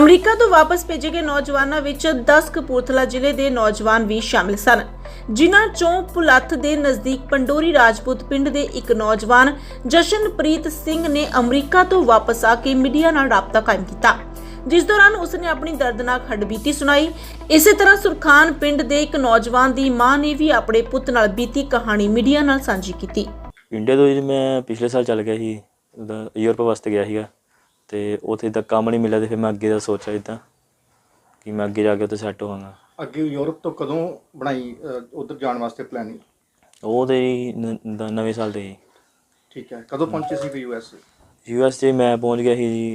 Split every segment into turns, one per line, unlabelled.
America ਤੋਂ ਵਾਪਸ ਭੇਜੇ ਗਏ ਨੌਜਵਾਨਾਂ ਵਿੱਚ 10 ਕਪੂਰਥਲਾ ਜ਼ਿਲ੍ਹੇ ਦੇ ਨੌਜਵਾਨ ਵੀ ਸ਼ਾਮਿਲ ਸਨ, ਜਿਨ੍ਹਾਂ ਚੋਂ ਪੁਲੱਥ ਦੇ ਨਜ਼ਦੀਕ ਪੰਡੋਰੀ ਰਾਜਪੂਤ ਪਿੰਡ ਦੇ ਇੱਕ ਨੌਜਵਾਨ ਜਸ਼ਨਪ੍ਰੀਤ ਸਿੰਘ ਨੇ ਅਮਰੀਕਾ ਤੋਂ ਵਾਪਸ ਆ ਕੇ ਮੀਡੀਆ ਨਾਲ ਰਾਬਤਾ ਕਾਇਮ ਕੀਤਾ, ਜਿਸ ਦੌਰਾਨ ਉਸਨੇ ਆਪਣੀ ਦਰਦਨਾਕ ਹੱਡਬੀਤੀ ਸੁਣਾਈ। ਇਸੇ ਤਰ੍ਹਾਂ ਸੁਰਖਾਨ ਪਿੰਡ ਦੇ ਇੱਕ ਨੌਜਵਾਨ ਦੀ ਮਾਂ ਨੇ ਵੀ ਆਪਣੇ ਪੁੱਤ ਨਾਲ ਬੀਤੀ ਕਹਾਣੀ ਮੀਡੀਆ ਨਾਲ ਸਾਂਝੀ ਕੀਤੀ।
ਇੰਡੀਆ ਤੋਂ ਜੀ ਮੈਂ ਪਿਛਲੇ ਸਾਲ ਚੱਲ ਗਿਆ ਸੀ, ਯੂਰਪ ਵਾਸਤੇ ਗਿਆ ਸੀਗਾ ਤੇ ਉੱਥੇ ਤੱਕ ਕੰਮ ਨਹੀਂ ਮਿਲਿਆ ਤੇ ਫਿਰ ਮੈਂ ਅੱਗੇ ਦਾ ਸੋਚਿਆ ਇੱਦਾਂ ਕਿ ਮੈਂ ਅੱਗੇ ਜਾ ਕੇ ਉੱਥੇ ਸੈੱਟ ਹੋਵਾਂਗਾ।
ਅੱਗੇ ਯੂਰਪ ਤੋਂ ਕਦੋਂ ਬਣਾਈ ਉਧਰ ਜਾਣ ਵਾਸਤੇ ਪਲੈਨਿੰਗ?
ਉਹ ਤੇ ਨਵੇਂ ਸਾਲ ਤੇ ਜੀ।
ਠੀਕ ਹੈ, ਕਦੋਂ ਪਹੁੰਚੇ ਸੀ ਯੂਐਸ?
ਯੂਐਸ 'ਚ ਮੈਂ ਪਹੁੰਚ ਗਿਆ ਸੀ ਜੀ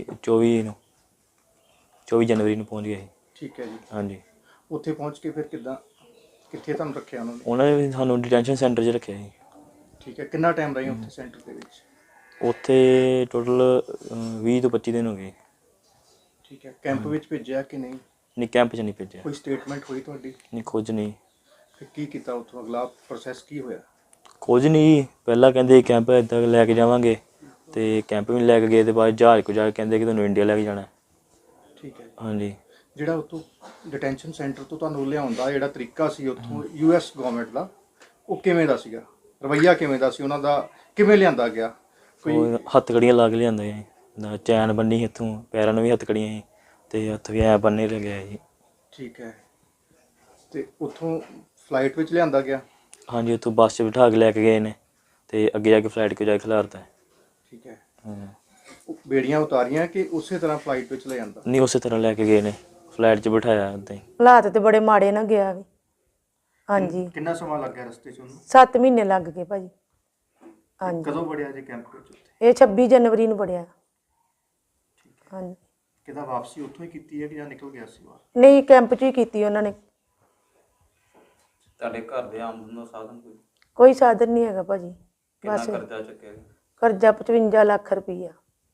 24 ਜਨਵਰੀ ਨੂੰ ਪਹੁੰਚ ਗਿਆ ਸੀ।
ਠੀਕ ਹੈ ਜੀ।
ਹਾਂਜੀ।
ਉੱਥੇ ਪਹੁੰਚ ਕੇ ਫਿਰ ਕਿੱਥੇ ਤੁਹਾਨੂੰ ਰੱਖਿਆ ਉਹਨਾਂ ਨੇ?
ਉਹਨਾਂ ਨੇ ਸਾਨੂੰ ਡਿਟੈਂਸ਼ਨ ਸੈਂਟਰ 'ਚ ਰੱਖਿਆ ਸੀ।
ਠੀਕ ਹੈ, ਕਿੰਨਾ ਟਾਈਮ ਰਹੇ ਉੱਥੇ ਸੈਂਟਰ ਦੇ ਵਿੱਚ?
ਉੱਥੇ ਟੋਟਲ 20 ਤੋਂ 25 ਦਿਨ ਹੋ ਗਏ।
ਠੀਕ ਹੈ, ਕੈਂਪ ਵਿੱਚ ਭੇਜਿਆ ਕਿ ਨਹੀਂ?
ਨਹੀਂ, ਕੈਂਪ 'ਚ ਨਹੀਂ ਭੇਜਿਆ।
ਕੋਈ ਸਟੇਟਮੈਂਟ ਹੋਈ ਤੁਹਾਡੀ?
ਨਹੀਂ, ਕੁਝ ਨਹੀਂ।
ਫਿਰ ਕੀ ਕੀਤਾ ਉੱਥੋਂ, ਅਗਲਾ ਪ੍ਰੋਸੈਸ ਕੀ ਹੋਇਆ?
ਕੁਝ ਨਹੀਂ, ਪਹਿਲਾਂ ਕਹਿੰਦੇ ਕੈਂਪ ਇੱਦਾਂ ਲੈ ਕੇ ਜਾਵਾਂਗੇ ਤੇ ਕੈਂਪ ਵੀ ਲੈ ਕੇ ਗਏ ਤੇ ਬਾਅਦ ਜਹਾਜ਼ ਕੋ ਜਾ ਕੇ ਕਹਿੰਦੇ ਕਿ ਤੁਹਾਨੂੰ ਇੰਡੀਆ ਲੈ ਕੇ ਜਾਣਾ।
ਠੀਕ ਹੈ।
ਹਾਂਜੀ।
ਜਿਹੜਾ ਉੱਥੋਂ ਡਿਟੈਂਸ਼ਨ ਸੈਂਟਰ ਤੋਂ ਤੁਹਾਨੂੰ ਲਿਆਉਣ ਦਾ ਜਿਹੜਾ ਤਰੀਕਾ ਸੀ ਉੱਥੋਂ ਯੂਐਸ ਗਵਰਨਮੈਂਟ ਦਾ, ਉਹ ਕਿਵੇਂ ਦਾ ਸੀਗਾ? ਰਵੱਈਆ ਕਿਵੇਂ ਦਾ ਸੀ ਉਹਨਾਂ ਦਾ? ਕਿਵੇਂ ਲਿਆਂਦਾ ਗਿਆ? ਕੋਈ
ਹੱਥਕੜੀਆਂ ਲਾ ਕੇ ਲਿਆਂਦਾ ਜੀ, ਚੈਨ ਬੰਨੀ ਇੱਥੋਂ, ਪੈਰਾਂ ਨੂੰ ਵੀ ਹੱਥਕੜੀਆਂ ਸੀ ਤੇ ਹੱਥ ਵੀ ਐ ਬੰਨੇ ਲੱਗਿਆ ਜੀ।
ਠੀਕ ਹੈ, ਤੇ ਉੱਥੋਂ ਫਲਾਈਟ ਵਿੱਚ ਲਿਆਂਦਾ ਗਿਆ?
ਹਾਂਜੀ, ਉੱਥੋਂ ਬੱਸ 'ਚ ਬਿਠਾ ਕੇ ਲੈ ਕੇ ਗਏ ਨੇ ਤੇ ਅੱਗੇ ਜਾ ਕੇ ਫਲਾਈਟ 'ਤੇ ਜਾ ਕੇ ਖਿਲਾਰਤਾ।
ਠੀਕ ਹੈ। ਬੇੜੀਆਂ ਉਤਾਰੀਆਂ ਕਿ ਉਸੇ ਤਰ੍ਹਾਂ ਫਲਾਈਟ ਵਿੱਚ ਲੈ ਜਾਂਦਾ?
ਨਹੀਂ, ਉਸੇ ਤਰ੍ਹਾਂ ਲੈ ਕੇ ਗਏ ਨੇ, ਫਲਾਈਟ 'ਚ ਬਿਠਾਇਆ ਉੱਦਾਂ ਹੀ।
ਹਾਲਾਤ ਤੇ ਬੜੇ ਮਾੜੇ ਨਾ ਗਿਆ ਵੀ। ਹਾਂਜੀ।
ਕਿੰਨਾ ਸਮਾਂ ਲੱਗ ਗਿਆ ਰਸਤੇ 'ਚ ਉਹਨੂੰ?
7 ਮਹੀਨੇ ਲੱਗ ਗਏ ਭਾਜੀ। ਹਾਂਜੀ।
ਕਦੋਂ ਵੜਿਆ ਜੇ ਕੈਂਪ ਵਿੱਚ?
ਇਹ 26 ਜਨਵਰੀ ਨੂੰ ਬੜਿਆ। ਹਾਂਜੀ।
ਕਿਦਾ ਵਾਪਸੀ ਉੱਥੋਂ ਹੀ ਕੀਤੀ ਹੈ ਕਿ ਜਾਂ ਨਿਕਲ ਗਿਆ ਸੀ ਬਾਹਰ?
ਨਹੀਂ, ਕੈਂਪ 'ਚ ਹੀ ਕੀਤੀ ਉਹਨਾਂ ਨੇ।
ਤੁਹਾਡੇ ਘਰ ਦੇ ਆਮਦਨ ਦਾ ਸਾਧਨ
ਕੋਈ ਸਾਧਨ ਨਹੀਂ ਹੈਗਾ ਭਾਜੀ।
ਕਿੰਨਾ
ਬਸ
ਕਰਜ਼ਾ ਚੁੱਕਿਆ?
ਕਰਜ਼ਾ 55 ਲੱਖ ਰੁਪਈਆ।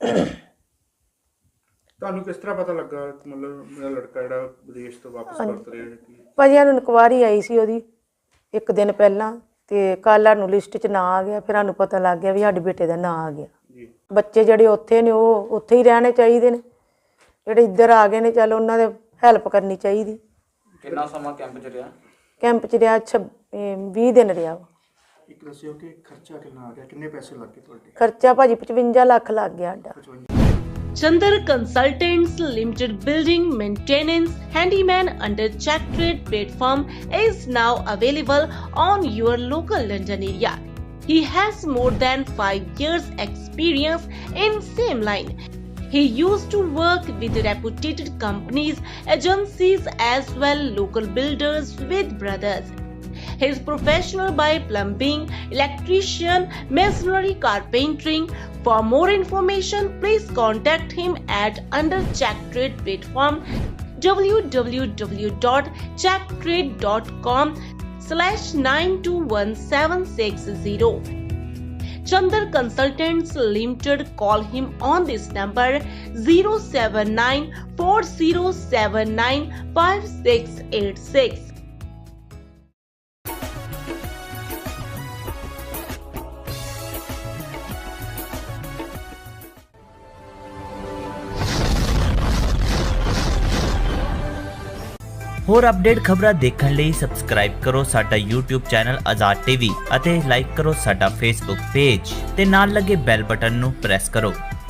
ਤੁਹਾਨੂੰ ਕਿਸ ਤਰ੍ਹਾਂ ਪਤਾ ਲੱਗਾ ਮਤਲਬ ਮੇਰਾ ਲੜਕਾ ਜਿਹੜਾ ਵਿਦੇਸ਼ ਤੋਂ ਵਾਪਸ ਪਰਤ ਰਿਹਾ ਹੈ?
ਭਾਜੀ ਸਾਨੂੰ ਇਨਕੁਆਇਰੀ ਆਈ ਸੀ ਉਹਦੀ ਇੱਕ ਦਿਨ ਪਹਿਲਾਂ ਤੇ ਕੱਲ੍ਹ ਸਾਨੂੰ ਲਿਸਟ 'ਚ ਨਾਂ ਆ ਗਿਆ, ਫਿਰ ਸਾਨੂੰ ਪਤਾ ਲੱਗ ਗਿਆ ਵੀ ਸਾਡੇ ਬੇਟੇ ਦਾ ਨਾਂ ਆ ਗਿਆ। ਬੱਚੇ ਜਿਹੜੇ ਉੱਥੇ ਨੇ ਉਹ ਉੱਥੇ ਹੀ ਰਹਿਣੇ ਚਾਹੀਦੇ ਨੇ, ਜਿਹੜੇ ਇੱਧਰ ਆ ਗਏ ਨੇ ਚੱਲ ਉਹਨਾਂ ਦੇ ਹੈਲਪ ਕਰਨੀ ਚਾਹੀਦੀ।
ਕਿੰਨਾ ਸਮਾਂ ਕੈਂਪ 'ਚ ਰਿਹਾ?
ਕੈਂਪ 'ਚ ਰਿਹਾ 20 ਦਿਨ ਰਿਹਾ।
ਇੱਕ ਦੱਸਿਓ ਕਿ ਖਰਚਾ ਕਿੰਨਾ ਆ ਗਿਆ, ਕਿੰਨੇ ਪੈਸੇ ਲੱਗ ਗਏ ਤੁਹਾਡੇ?
ਖਰਚਾ ਭਾਜੀ 55 ਲੱਖ ਲੱਗ ਗਿਆ ਸਾਡਾ।
Chandar Consultants Limited building maintenance handyman under Check Trade platform is now available on your local London area. He has more than 5 years experience in same line. He used to work with reputed companies, agencies as well local builders with brothers. He is professional by plumbing, electrician, masonry, carpentering. For more information, please contact him at under Check Trade platform www.checktrade.com/921760. Chandar Consultants Limited. Call him on this number 07940795686.
ਹੋਰ update ਖਬਰਾਂ ਦੇਖਣ ਲਈ subscribe ਕਰੋ ਸਾਡਾ YouTube channel Azad TV ਅਤੇ like ਕਰੋ ਸਾਡਾ Facebook page ਤੇ ਨਾਲ ਲੱਗੇ ਬੈਲ ਬਟਨ ਨੂੰ ਪ੍ਰੈਸ ਕਰੋ।